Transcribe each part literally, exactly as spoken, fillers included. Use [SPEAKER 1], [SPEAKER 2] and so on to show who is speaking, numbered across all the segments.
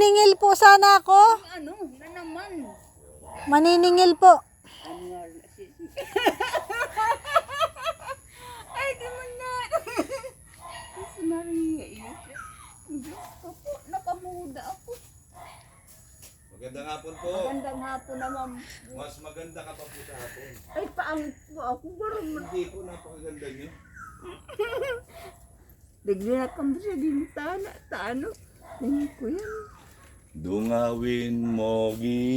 [SPEAKER 1] Maniningil po sana ako.
[SPEAKER 2] Ano, na naman.
[SPEAKER 1] Maniningil po.
[SPEAKER 2] Ano nga rin si... Ay, di mo na. Mas Maria, eh. Diyos ko po, nakamuda ako.
[SPEAKER 3] Magandang hapon po.
[SPEAKER 2] Magandang hapon naman.
[SPEAKER 3] Mas maganda ka pa po sa hapon.
[SPEAKER 2] Ay, paangit po ako. Barang
[SPEAKER 3] Hindi po, napakaganda niyo.
[SPEAKER 2] Bigla kang siya din tana. Tano. Tingin ko yan.
[SPEAKER 3] Dungawin mo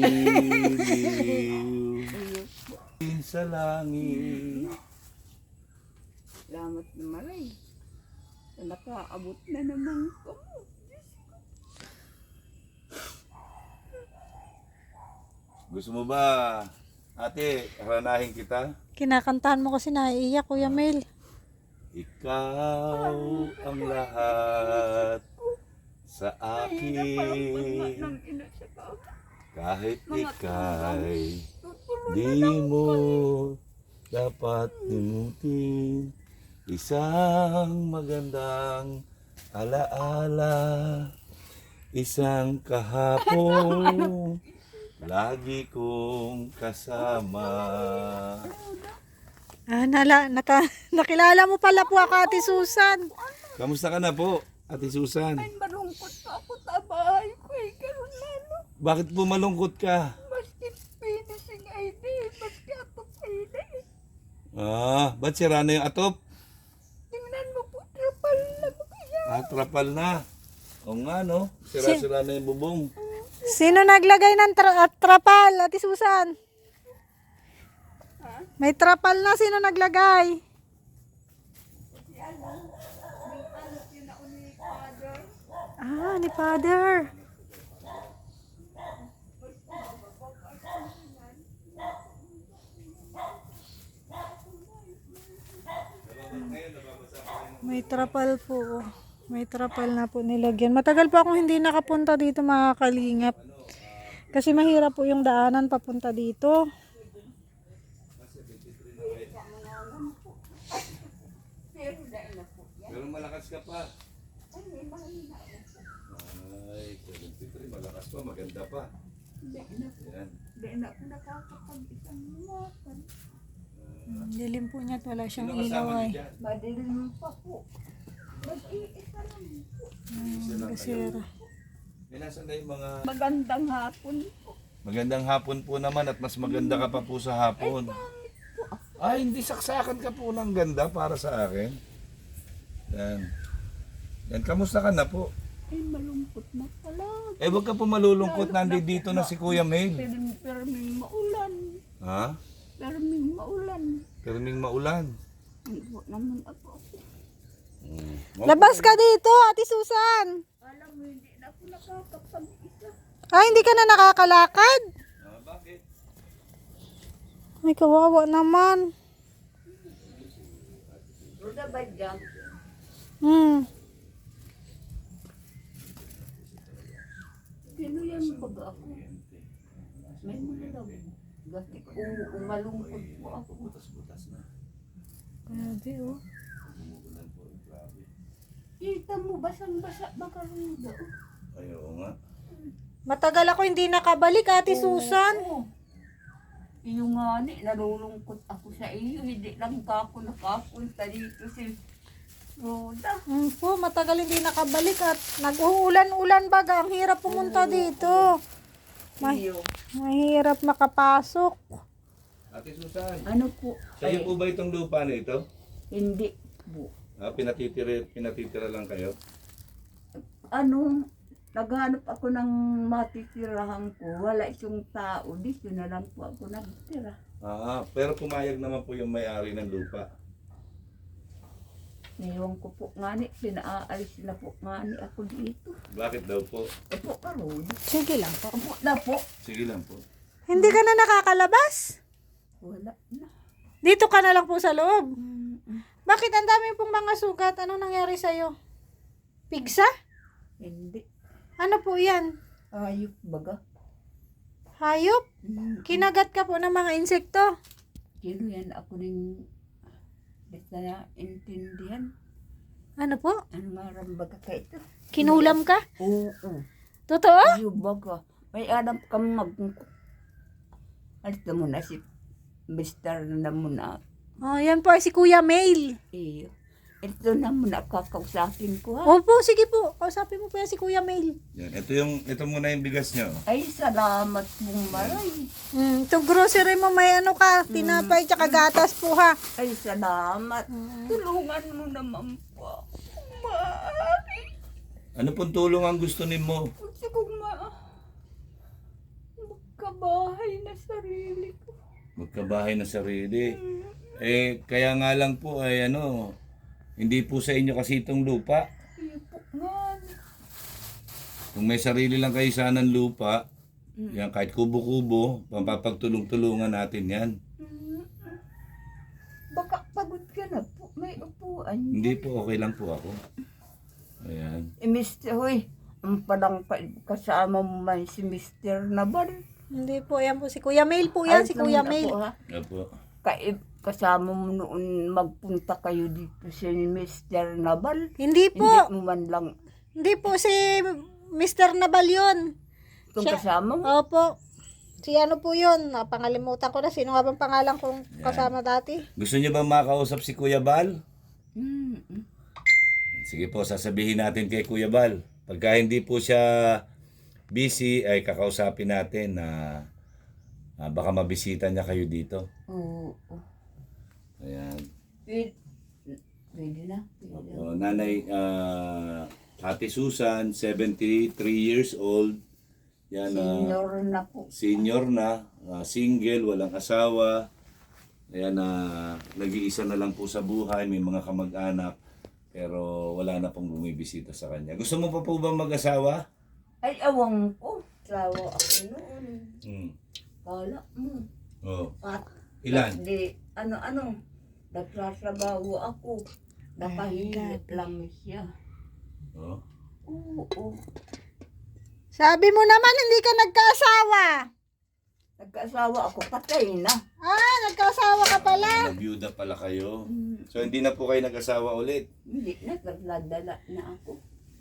[SPEAKER 3] giliw sa langit.
[SPEAKER 2] Salamat na maray. Nakaabot na naman ko.
[SPEAKER 3] Gusto mo ba, ate, haranahin kita?
[SPEAKER 1] Kinakantahan mo kasi naiiyak, Kuya Mel.
[SPEAKER 3] Ikaw ang lahat sa akin.
[SPEAKER 2] Nang ina siya ka.
[SPEAKER 3] Kahit ikay di mo dapat limutin isang magandang alaala, isang kahapon lagi kong kasama.
[SPEAKER 1] Ah, nala, naka, nakilala mo pala po ako, Ate Susan.
[SPEAKER 3] Kamusta ka na po, Ate Susan?
[SPEAKER 2] Ay, malungkot pa ako sa bahay ko eh. Ganun lalo.
[SPEAKER 3] Bakit po malungkot ka?
[SPEAKER 2] Maski finishing I D. Maski atop I D.
[SPEAKER 3] Ah, ba't sira na yung atop?
[SPEAKER 2] Tingnan mo po, trapal na mo kaya.
[SPEAKER 3] Ah, trapal na. O nga no, sira-sira na yung bubong.
[SPEAKER 1] Sino naglagay ng tra- at trapal, Ate Susan? May trapal na, sino naglagay? Ah, ni Father. May trapal po. May trapal na po nilagyan. Matagal pa akong hindi nakapunta dito, mga kalingap. Kasi mahirap po yung daanan papunta dito.
[SPEAKER 3] Pero malakas ka pa. Ay, seventy-three, malakas pa, maganda pa. Yan.
[SPEAKER 2] Hindi na ako nakakapag-isang lumakan.
[SPEAKER 1] Hmm, dilim po niya at wala siyang
[SPEAKER 3] Sino
[SPEAKER 1] ilaw
[SPEAKER 3] kasama
[SPEAKER 1] ay.
[SPEAKER 3] niyo dyan?
[SPEAKER 2] Madilim pa po. Mag-iisa lang po.
[SPEAKER 1] Hmm, gasera.
[SPEAKER 3] Eh, nasan na yung mga...
[SPEAKER 2] Magandang hapon po.
[SPEAKER 3] Magandang hapon po naman at mas maganda ka pa po sa hapon. Ay, hindi saksakan ka po ng ganda para sa akin. Yan. Yan, kamusta ka na po?
[SPEAKER 2] Ay, malungkot na pala.
[SPEAKER 3] Eh, wag ka po malulungkot, nandito na si Kuya Mel.
[SPEAKER 2] Perming, perming maulan.
[SPEAKER 3] Ha?
[SPEAKER 2] Perming maulan.
[SPEAKER 3] Perming maulan.
[SPEAKER 2] Hindi po naman ako.
[SPEAKER 3] Hmm.
[SPEAKER 1] Labas ka dito, Ate Susan.
[SPEAKER 2] Alam mo, hindi na ako nakakapag-isa.
[SPEAKER 1] Ah, hindi ka na nakakalakad?
[SPEAKER 3] Ah, bakit?
[SPEAKER 1] Ay, kawawa naman.
[SPEAKER 2] Ruda ba dyan?
[SPEAKER 1] Hmm.
[SPEAKER 2] Sino yan pag ako? May mga daw. Gati ko, umalungkot po ako.
[SPEAKER 3] Butas-butas na.
[SPEAKER 1] Grabe, oh.
[SPEAKER 3] Umuulan po, grabe.
[SPEAKER 2] Kita mo, basang-basa baka ruda.
[SPEAKER 3] Ay, oo nga.
[SPEAKER 1] Matagal ako hindi nakabalik, Ate Susan.
[SPEAKER 2] Oo. Yung nga ni, nalulungkot ako sa iyo. Hindi lang ka ako nakapunta dito si Roda.
[SPEAKER 1] Hmm po, matagal hindi nakabalik at nag-uulan-ulan baga. Ang hirap pumunta dito. Ma-
[SPEAKER 2] Iyo.
[SPEAKER 1] mahirap makapasok.
[SPEAKER 3] Ate Susan,
[SPEAKER 2] Ano po?
[SPEAKER 3] sa'yo po ba itong lupa na ito?
[SPEAKER 2] Hindi po.
[SPEAKER 3] Ah, pinatitira, pinatitira lang kayo?
[SPEAKER 2] Ano, naghanap ako ng matitirahan ko. Wala isang tao. Dito na lang po ako nagtira.
[SPEAKER 3] Ah, pero pumayag naman po yung may-ari ng lupa.
[SPEAKER 2] Ngayon ko po nga ni, pinaalis na po nga ni ako dito.
[SPEAKER 3] Bakit daw po?
[SPEAKER 2] E po, karoon.
[SPEAKER 1] Sige lang po.
[SPEAKER 2] Ako na po.
[SPEAKER 3] Sige lang po.
[SPEAKER 1] Hindi ka na nakakalabas?
[SPEAKER 2] Wala na.
[SPEAKER 1] Dito ka na lang po sa loob.
[SPEAKER 2] Mm-mm.
[SPEAKER 1] Bakit ang dami pong mga sugat? Anong nangyari sa'yo? Pigsa?
[SPEAKER 2] Hindi.
[SPEAKER 1] Ano po yan?
[SPEAKER 2] Ayop baga.
[SPEAKER 1] Hayop?
[SPEAKER 2] Mm.
[SPEAKER 1] Kinagat ka po ng mga insekto?
[SPEAKER 2] Kino yan ako rin basta na intindihan.
[SPEAKER 1] Ano po?
[SPEAKER 2] Ano marambaga ka ito?
[SPEAKER 1] Kinulam ka?
[SPEAKER 2] Oo.
[SPEAKER 1] Totoo?
[SPEAKER 2] Yung baga, may alam kang mag... Alito mo na si Mister na muna.
[SPEAKER 1] Oh, yan po ay si Kuya Mail.
[SPEAKER 2] Iyo. Ito na muna kakausapin ko ha.
[SPEAKER 1] Opo, sige po. Kausapin mo po yan si Kuya Mail.
[SPEAKER 3] Yan. Ito yung, ito muna yung bigas nyo.
[SPEAKER 2] Ay, salamat mong maray.
[SPEAKER 1] Mm, ito grocery mo may ano ka, tinapay tsaka gatas po ha.
[SPEAKER 2] Ay, salamat. Tulungan mo naman po. Maaari.
[SPEAKER 3] Ano pong tulong ang gusto ni mo?
[SPEAKER 2] Gusto kong ma... magkabahay na sarili ko.
[SPEAKER 3] Magkabahay na sarili. Eh, kaya nga lang po ay ano, hindi po sa inyo kasi itong lupa.
[SPEAKER 2] Iyo po nga.
[SPEAKER 3] Kung may sarili lang kayo sanang lupa, yan kahit kubo-kubo, pampapagtulong-tulungan natin yan.
[SPEAKER 2] Baka pagod ka na po. May upuan.
[SPEAKER 3] Hindi po, okay lang po ako. Ayan.
[SPEAKER 2] Eh, Mister Hoy, ang palang pa, kasama mo man si Mister Nabal.
[SPEAKER 1] Hindi po, yan po si Kuya Mail po yan, si Kuya Mail.
[SPEAKER 3] Opo.
[SPEAKER 2] Kaya kasama mo noon magpunta kayo dito si Mister Nabal.
[SPEAKER 1] Hindi po,
[SPEAKER 2] Hindi mo man lang
[SPEAKER 1] hindi po si Mister Nabal yun.
[SPEAKER 2] itong
[SPEAKER 1] Siya-
[SPEAKER 2] kasama mo.
[SPEAKER 1] Opo. Si ano po yun, napangalimutan ko na, sino nga bang pangalan kong kasama dati?
[SPEAKER 3] Gusto niyo ba makausap si Kuya Bal?
[SPEAKER 2] Mm, mm.
[SPEAKER 3] Sige po, sasabihin natin kay Kuya Bal. Pagka hindi po siya busy, ay kakausapin natin na ah, baka mabisita niya kayo dito.
[SPEAKER 2] Oo. oo.
[SPEAKER 3] Ayan.
[SPEAKER 2] Pwede, pwede na. Pwede na.
[SPEAKER 3] O, nanay, ah, Ate Susan, seventy-three years old. Yan, ah,
[SPEAKER 2] Senior na po.
[SPEAKER 3] senior na, ah, single, walang asawa. Ayan, na nag-iisa na lang po sa buhay, may mga kamag-anak. Pero wala na pong bumibisita sa kanya. Gusto mo pa po ba mag-asawa?
[SPEAKER 2] Ay, awang ko. Sawa ako noon.
[SPEAKER 3] Hmm.
[SPEAKER 2] Kala mo.
[SPEAKER 3] Oh.
[SPEAKER 2] At,
[SPEAKER 3] Ilan?
[SPEAKER 2] Di, ano-ano. Nagsasabaho ako. Nakahilip lang siya.
[SPEAKER 3] Oh.
[SPEAKER 2] Oo.
[SPEAKER 1] Sabi mo naman, hindi ka nagkaasawa.
[SPEAKER 2] Nagkaasawa ako, patay na.
[SPEAKER 1] Ah, nagkaasawa ka pala.
[SPEAKER 3] Nabiyuda pala kayo.
[SPEAKER 2] Hmm.
[SPEAKER 3] So hindi na po kayo nag-asawa ulit.
[SPEAKER 2] Hindi na, nagladala na ako.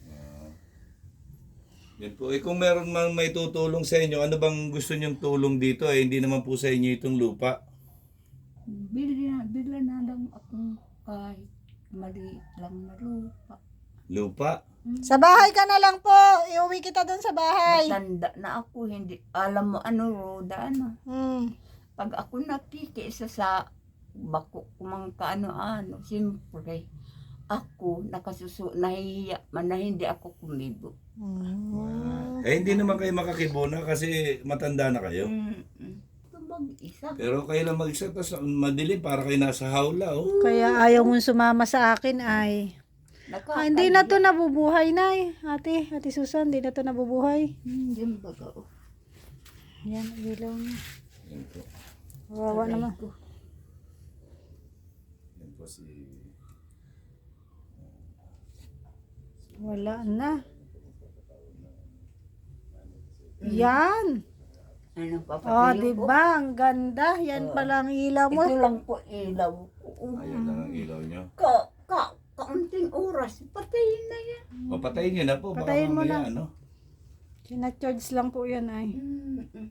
[SPEAKER 3] Yan po. Eh kung meron mang may tutulong sa inyo, ano bang gusto niyong tulong dito? Eh hindi naman po sa inyo itong lupa.
[SPEAKER 2] Bili na, bili na lang akong kahit maliit lang na lupa.
[SPEAKER 3] Lupa?
[SPEAKER 1] Sa bahay ka na lang po. Iuwi kita doon sa bahay.
[SPEAKER 2] Matanda na ako, hindi, alam mo ano, Roda, ano.
[SPEAKER 1] Hmm.
[SPEAKER 2] Pag ako nakikisa sa bako kumang kaano-ano, siyempre, ako nakasusu, nahihiya man na hindi ako kumibo.
[SPEAKER 1] Hmm.
[SPEAKER 3] Eh hindi naman kayo makakibona kasi matanda na kayo.
[SPEAKER 2] Mm-mm. Ito mag-isa.
[SPEAKER 3] Pero kayo lang mag-isa, tapos madilim para kayo nasa hawla. Oh.
[SPEAKER 1] Kaya ayaw mong sumama sa akin ay. Ah, hindi na to nabubuhay na eh. Ate, Ate Susan, hindi na to nabubuhay.
[SPEAKER 2] Hindi baga. Oh.
[SPEAKER 1] Yan, ang ilaw niya.
[SPEAKER 3] Yan po.
[SPEAKER 1] Kawawa naman.
[SPEAKER 2] ko.
[SPEAKER 3] Yan po si...
[SPEAKER 1] Wala na. Yan.
[SPEAKER 2] Ano
[SPEAKER 1] Oh,
[SPEAKER 2] papatilo
[SPEAKER 1] di
[SPEAKER 2] ko?
[SPEAKER 1] ba? Ang ganda. Yan pala ang ilaw mo.
[SPEAKER 2] Ito lang po ilaw ko. Oh.
[SPEAKER 3] Ayun lang ang ilaw nyo.
[SPEAKER 2] Ka, ka, kaunting oras, patayin na yan.
[SPEAKER 3] O patayin nyo na po. Baka
[SPEAKER 1] Patayin mo
[SPEAKER 3] mamaya,
[SPEAKER 1] na.
[SPEAKER 3] ano?
[SPEAKER 1] Sina-charge lang po yan ay.
[SPEAKER 2] Mm-mm.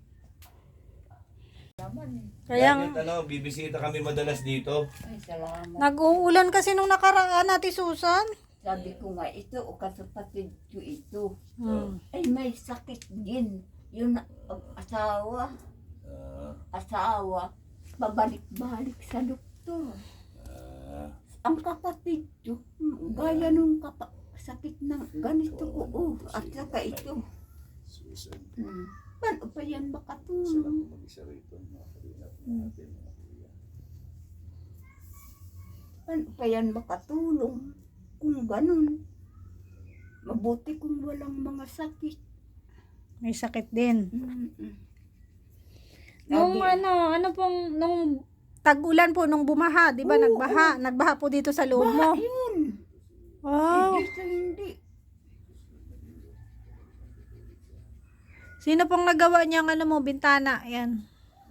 [SPEAKER 2] Naman eh.
[SPEAKER 1] Kaya
[SPEAKER 3] Yan, yan, ano, bibisita kami madalas dito.
[SPEAKER 2] Ay, salamat.
[SPEAKER 1] nag-uulan kasi nung nakaraan, Ate Susan.
[SPEAKER 2] Sabi ko nga, ito o kasapatid ko ito.
[SPEAKER 1] Hmm.
[SPEAKER 2] Ay, may sakit din. Yun ang asawa.
[SPEAKER 3] Ah,
[SPEAKER 2] Asawa. Babalik-balik sa doktor.
[SPEAKER 3] ah,
[SPEAKER 2] Ang kapatid ko, gaya nung kapa sakit ng ganito ko. Oh, at saka ito.
[SPEAKER 3] Susan.
[SPEAKER 2] Hmm. Paano pa yan
[SPEAKER 3] Sila
[SPEAKER 2] makatulong?
[SPEAKER 3] po mag-isa rito. Mga kalingap
[SPEAKER 2] Hmm.
[SPEAKER 3] natin, mga kuya.
[SPEAKER 2] Paano pa yan makatulong? Kung ganun. Mabuti kung walang mga sakit.
[SPEAKER 1] May sakit din.
[SPEAKER 2] Mm-mm.
[SPEAKER 1] Nung
[SPEAKER 2] Sabi-
[SPEAKER 1] ano, ano pong, nung tag-ulan po, nung bumaha, di ba?
[SPEAKER 2] Oo,
[SPEAKER 1] Nagbaha. Nagbaha po dito sa loob mo.
[SPEAKER 2] Baha yun.
[SPEAKER 1] Wow.
[SPEAKER 2] Hindi sa hindi.
[SPEAKER 1] Sino pong nagawa niyang ano mo, bintana? Yan.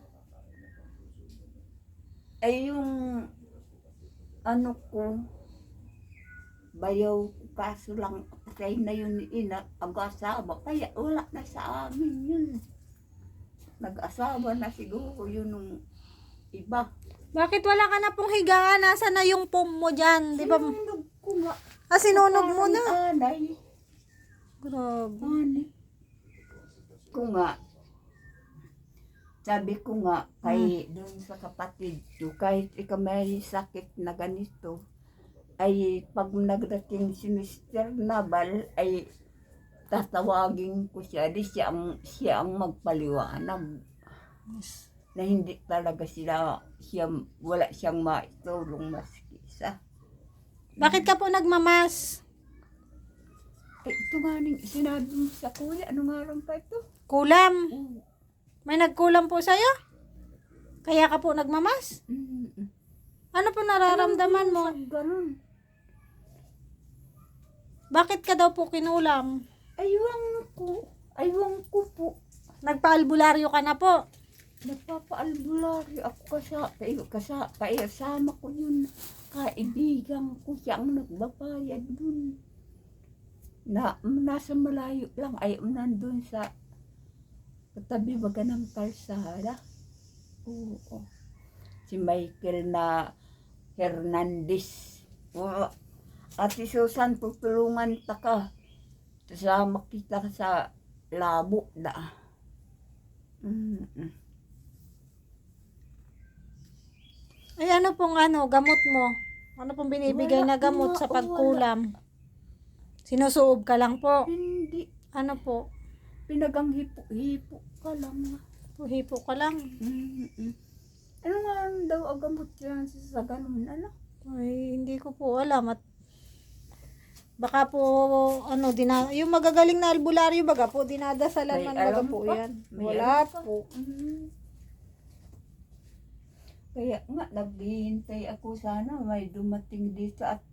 [SPEAKER 2] Ay yung ano ko, bayaw ko, kaso lang Patay na yun ni ina, ang-asawa. Kaya wala na sa amin yun. Nag-asawa na siguro yun nung iba.
[SPEAKER 1] Bakit wala ka na pong higaan? Nasaan na yung pom mo dyan? Di ba?
[SPEAKER 2] Sinunog ko nga.
[SPEAKER 1] Ah, sinunog mo na.
[SPEAKER 2] Parang Anay.
[SPEAKER 1] Grabe.
[SPEAKER 2] Anay. Ko nga. Sabi ko nga, kay doon sa kapatid ko, kahit ikaw may sakit na ganito, ay pag nagdating si mister Nabal, ay tatawagin ko siya, di siya ang, siya ang magpaliwanag. Na hindi talaga sila, siya, wala siyang maitulong maski isa.
[SPEAKER 1] Bakit ka po nagmamas?
[SPEAKER 2] Eh, ito nga ning sinabi mo sa kuya, ano nga rin pa ito?
[SPEAKER 1] Kulam.
[SPEAKER 2] Mm.
[SPEAKER 1] May nagkulam po sa'yo? Kaya ka po nagmamas?
[SPEAKER 2] Mm.
[SPEAKER 1] Ano po nararamdaman mo?
[SPEAKER 2] Ganun.
[SPEAKER 1] Bakit ka daw po kinulam?
[SPEAKER 2] Aywan ko. Aywan ko po.
[SPEAKER 1] Nagpa-albularyo ka na po.
[SPEAKER 2] Nagpapaalbularyo ako kasa, kaya, kasa, kaya sama ko yun. Kaibigan ko siya ang nagbabayad dun. Na, nasa malayo lang, ay nandun sa katabi baga ng kalsada. Oo. Si Michael na Hernandez. Oo. At si Susan, tutulungan ta ka. Kasama kita sa labo da. Mm-mm.
[SPEAKER 1] Ay ano pong ano, gamot mo? Ano pong binibigay na
[SPEAKER 2] Wala,
[SPEAKER 1] gamot
[SPEAKER 2] wala,
[SPEAKER 1] sa pagkulam? Sinusuob ka lang po?
[SPEAKER 2] Hindi.
[SPEAKER 1] Ano po?
[SPEAKER 2] Pinagang hipo-hipo ka lang.
[SPEAKER 1] Hipo ka lang.
[SPEAKER 2] Mm-mm. Ano nga daw ang gamot yan sa ganun, ano?
[SPEAKER 1] Ay, hindi ko po alam. At baka po, ano, dina, yung magagaling na albularyo, baga po, dinadasalan
[SPEAKER 2] May
[SPEAKER 1] man baga
[SPEAKER 2] alam
[SPEAKER 1] po
[SPEAKER 2] ka?
[SPEAKER 1] yan.
[SPEAKER 2] May
[SPEAKER 1] Wala
[SPEAKER 2] alam ka?
[SPEAKER 1] po.
[SPEAKER 2] Mm. Kaya nga, naghihintay ako sana may dumating dito at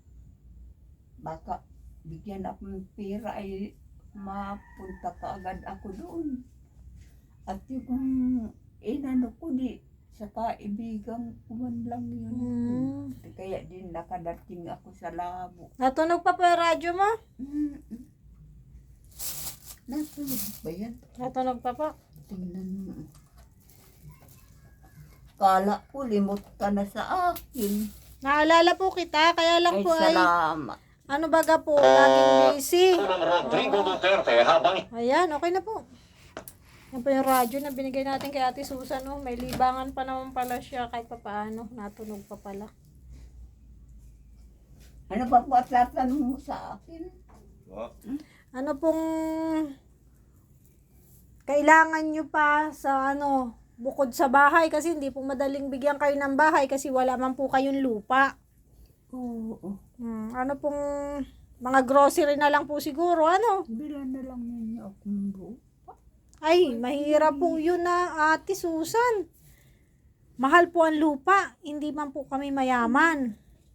[SPEAKER 2] baka bigyan ako ng pera ay mapunta ka agad ako doon. At yung inano ko di sa kaibigan ko man lang yun.
[SPEAKER 1] Hmm.
[SPEAKER 2] Kaya din nakadating ako sa labo.
[SPEAKER 1] Natunog pa po yung radyo mo?
[SPEAKER 2] Mm-mm. Nasunog ba yan?
[SPEAKER 1] Natunog pa po.
[SPEAKER 2] Tingnan mo. Kala ko limot ka na sa akin.
[SPEAKER 1] Naalala po kita, kaya lang
[SPEAKER 2] Ay,
[SPEAKER 1] po ay,
[SPEAKER 2] salamat.
[SPEAKER 1] ano baga po, laging busy.
[SPEAKER 4] Rodrigo Duterte habang
[SPEAKER 1] Ayan, okay na po. Yan po yung radyo na binigay natin kay Ate Susan. Oh. May libangan pa naman pala siya kahit pa paano. Natunog pa pala.
[SPEAKER 2] Ano ba po at tatanong mo sa akin?
[SPEAKER 3] Po.
[SPEAKER 1] Ano pong kailangan nyo pa sa ano, bukod sa bahay kasi hindi po madaling bigyan kayo ng bahay kasi wala man po kayong lupa.
[SPEAKER 2] Oo.
[SPEAKER 1] Hmm, ano pong mga grocery na lang po siguro, ano?
[SPEAKER 2] Bilan na lang ninyo akong buo.
[SPEAKER 1] Ay, mahirap po yun na, Ate Susan. Mahal po ang lupa, hindi man po kami mayaman.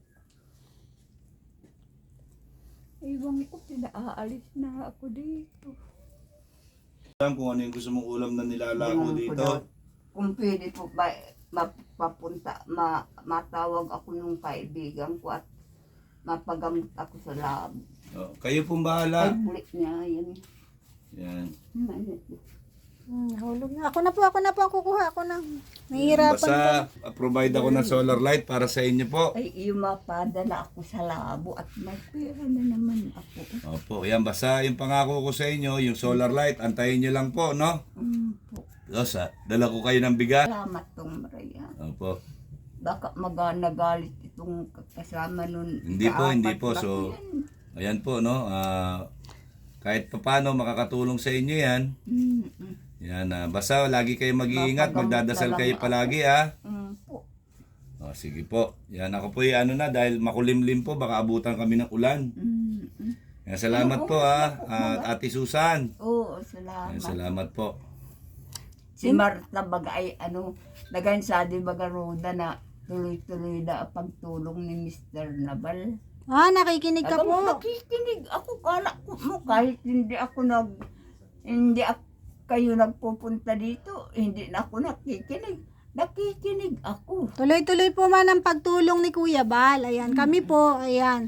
[SPEAKER 2] Iwan ko, pinaalis na ako dito.
[SPEAKER 3] Alam kung ano yung gusto mong ulam na nilalago
[SPEAKER 2] Iwan ko
[SPEAKER 3] dito.
[SPEAKER 2] daw, kung pwede po ba, mapapunta, ma, matawag ako ng kaibigan ko at mapagamot ako sa labo.
[SPEAKER 3] Oh, kayo pong
[SPEAKER 2] Ay,
[SPEAKER 3] bahala.
[SPEAKER 2] bulik niya, yan.
[SPEAKER 3] Yan.
[SPEAKER 1] Hmm, hulog na. Ako na po, ako na po, ako kukuha, ako na. Nahihirapan po.
[SPEAKER 3] Basta uh, provide ako ng solar light para sa inyo po.
[SPEAKER 2] Ay, iyo mapadala ako sa labo at may pera na naman ako.
[SPEAKER 3] Opo, yan basta yung pangako ko sa inyo, yung solar light, antayin nyo lang po, no?
[SPEAKER 2] Mm, po.
[SPEAKER 3] Rosa, dala ko kayo ng bigas.
[SPEAKER 2] Salamat tong Maria.
[SPEAKER 3] Opo.
[SPEAKER 2] Baka maganagalit itong kasama nun.
[SPEAKER 3] Hindi po,
[SPEAKER 2] Kaapat
[SPEAKER 3] hindi po.
[SPEAKER 2] na
[SPEAKER 3] So,
[SPEAKER 2] yan.
[SPEAKER 3] ayan po, no? Ah, kahit papano makakatulong sa inyo yan.
[SPEAKER 2] Mm, mm,
[SPEAKER 3] Yan, ah, basta lagi kayo mag-iingat,
[SPEAKER 2] Mapagamot
[SPEAKER 3] magdadasal
[SPEAKER 2] na lang
[SPEAKER 3] kayo
[SPEAKER 2] ako.
[SPEAKER 3] palagi, ha?
[SPEAKER 2] mm, po.
[SPEAKER 3] O, sige po. Yan, ako po yung ano na, dahil makulimlim po, baka abutan kami ng ulan.
[SPEAKER 2] Mm, mm.
[SPEAKER 3] Yan, salamat po, ha? At Ate Susan.
[SPEAKER 2] Oo, salamat.
[SPEAKER 3] Yan, salamat po.
[SPEAKER 2] Si Marta baga ay ano, nagansadi baga roda na tuloy-tuloy na ang pagtulong ni mister Nabal.
[SPEAKER 1] Ah, nakikinig ka
[SPEAKER 2] Agam,
[SPEAKER 1] po.
[SPEAKER 2] nakikinig ako, kala ko mo kahit hindi ako nag, hindi ako, kayo nagpupunta dito, hindi na ako nakikinig. Nakikinig ako.
[SPEAKER 1] Tuloy-tuloy po man ang pagtulong ni Kuya Bal. Ayan, kami po, ayan.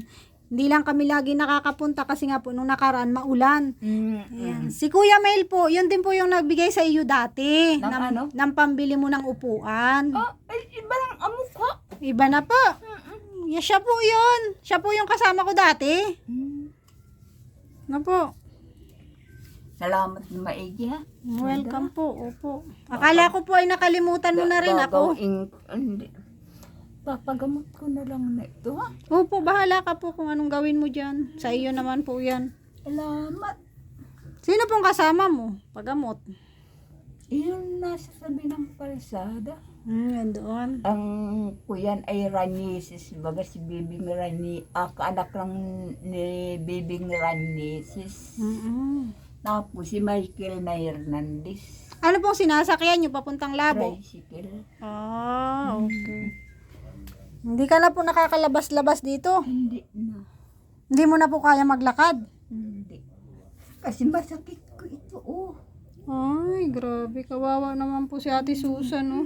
[SPEAKER 1] Hindi lang kami lagi nakakapunta kasi nga po nung nakaraan maulan.
[SPEAKER 2] Mm,
[SPEAKER 1] Ayan. Si Kuya Mail po, yun din po yung nagbigay sa iyo dati.
[SPEAKER 2] Ng ano?
[SPEAKER 1] Ng pambili mo ng upuan.
[SPEAKER 2] Ah, ay, iba lang ang mukha.
[SPEAKER 1] Iba na po. Yeah, siya po yun. Siya po yung kasama ko dati.
[SPEAKER 2] Mm.
[SPEAKER 1] Nga po.
[SPEAKER 2] Salamat na maigi ha.
[SPEAKER 1] Welcome po. Opo. Akala ko po ay nakalimutan mo na rin ako.
[SPEAKER 2] Gagawin- hindi. Papagamot ko na lang na ito ha.
[SPEAKER 1] Opo, bahala ka po kung anong gawin mo dyan. Sa iyo naman po yan.
[SPEAKER 2] Salamat.
[SPEAKER 1] Sino pong kasama mo? Pagamot.
[SPEAKER 2] Yun nasa sabi ng kalsada.
[SPEAKER 1] Hmm, yan doon.
[SPEAKER 2] Ang kuyan ay Ranisis. Baga si Bibing Rani. Ah, kaanak lang ni Bibing Ranisis.
[SPEAKER 1] Mm-mm.
[SPEAKER 2] Tapos si Michael na Hernandez.
[SPEAKER 1] Ano pong sinasakyan nyo papuntang labo?
[SPEAKER 2] Tricycle.
[SPEAKER 1] Ah, okay. Hindi ka na po nakakalabas-labas dito.
[SPEAKER 2] Hindi na.
[SPEAKER 1] Hindi mo na po kaya maglakad.
[SPEAKER 2] Hindi. Kasi masakit ko ito oh.
[SPEAKER 1] Ay, grabe. Kawawa naman po si Ate Susan, no?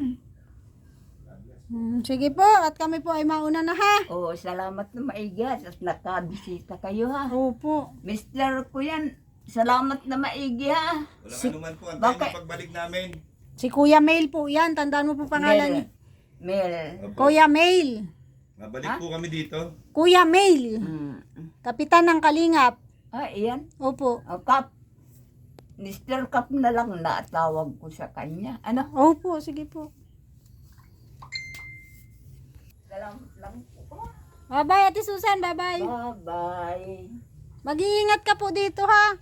[SPEAKER 1] Hmm, sige po, at kami po ay mauna na ha.
[SPEAKER 2] Oo, salamat na maigi ha. Tapos nakabisita kayo ha.
[SPEAKER 1] Opo.
[SPEAKER 2] Mister ko yan, salamat na maigi ha.
[SPEAKER 3] Walang anuman po, antayin
[SPEAKER 2] Bakit?
[SPEAKER 3] yung pagbalik namin.
[SPEAKER 1] Si Kuya Mail po yan. Tandaan mo po pangalan niya.
[SPEAKER 2] Mel.
[SPEAKER 3] Opo.
[SPEAKER 1] Kuya Mail.
[SPEAKER 3] Mabalik
[SPEAKER 2] Ha?
[SPEAKER 3] po kami dito.
[SPEAKER 1] Kuya Mail.
[SPEAKER 2] Mm.
[SPEAKER 1] Kapitan ng Kalingap.
[SPEAKER 2] Ah, iyan.
[SPEAKER 1] Opo.
[SPEAKER 2] O, Kap. Mister Kap na lang na tawag ko sa kanya. Ano?
[SPEAKER 1] Opo, sige po.
[SPEAKER 2] Salamat lang po.
[SPEAKER 1] Bye-bye, Ate Susan. Bye-bye.
[SPEAKER 2] Bye-bye.
[SPEAKER 1] Mag-iingat ka po dito, ha?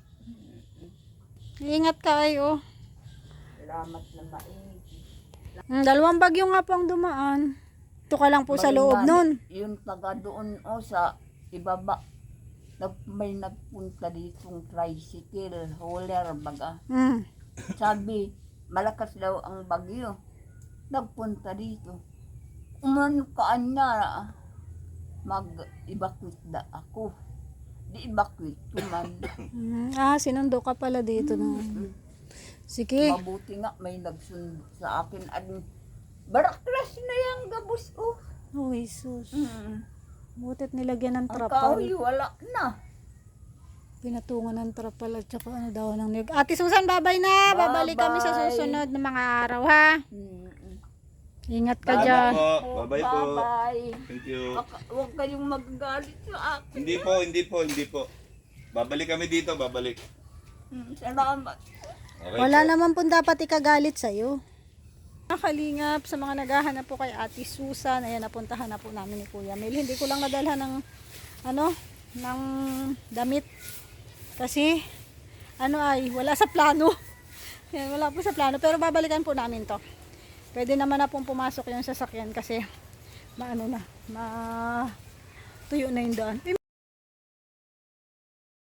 [SPEAKER 1] Ingat ka ay, oh.
[SPEAKER 2] Salamat na maigi.
[SPEAKER 1] Mm, dalawang bagyo nga po ang dumaan. Ito ka lang po sa loob nun.
[SPEAKER 2] Yung taga doon o sa ibaba. Nag, may nagpunta ditong tricycle, hauler baga.
[SPEAKER 1] Mm.
[SPEAKER 2] Sabi, malakas daw ang bagyo. Nagpunta dito. Umano kaan na, mag-evacuate na ako. Di evacuate ko man.
[SPEAKER 1] Mm, ah, sinundo ka pala dito na. Sige.
[SPEAKER 2] Mabuti nga may nagsundo sa akin. At baraklas na yung gabos. Oh.
[SPEAKER 1] Oh, Jesus.
[SPEAKER 2] Mm.
[SPEAKER 1] Butit nilagyan ng
[SPEAKER 2] Ang
[SPEAKER 1] trapal.
[SPEAKER 2] kahoy, wala na.
[SPEAKER 1] Pinatungan ng trapal at saka ano daw ng niyog. Ate Susan, babay na. Babalik kami sa
[SPEAKER 2] Bye-bye.
[SPEAKER 1] susunod na mga araw, ha?
[SPEAKER 2] Mm.
[SPEAKER 1] Ingat ka
[SPEAKER 3] Bye
[SPEAKER 1] dyan.
[SPEAKER 3] po. Bye-bye po.
[SPEAKER 2] Bye-bye.
[SPEAKER 3] Thank you.
[SPEAKER 2] Baka- Huwag kayong magagalit sa akin.
[SPEAKER 3] Hindi po, hindi po, hindi po. Babalik kami dito, babalik.
[SPEAKER 2] Mm, Salamat.
[SPEAKER 3] Okay
[SPEAKER 1] Wala
[SPEAKER 3] po.
[SPEAKER 1] naman po dapat ikagalit sa'yo. Nakalingap sa mga naghahanap po kay Ate Susan. Ayan, napuntahan na po namin ni Kuya Mel. Hindi ko lang nadalhan ng, ano, ng damit. Kasi, ano ay, wala sa plano. Yan, wala po sa plano. Pero babalikan po namin to. Pwede naman na pong pumasok yung sasakyan kasi, maano na, ma tuyo na yung daan.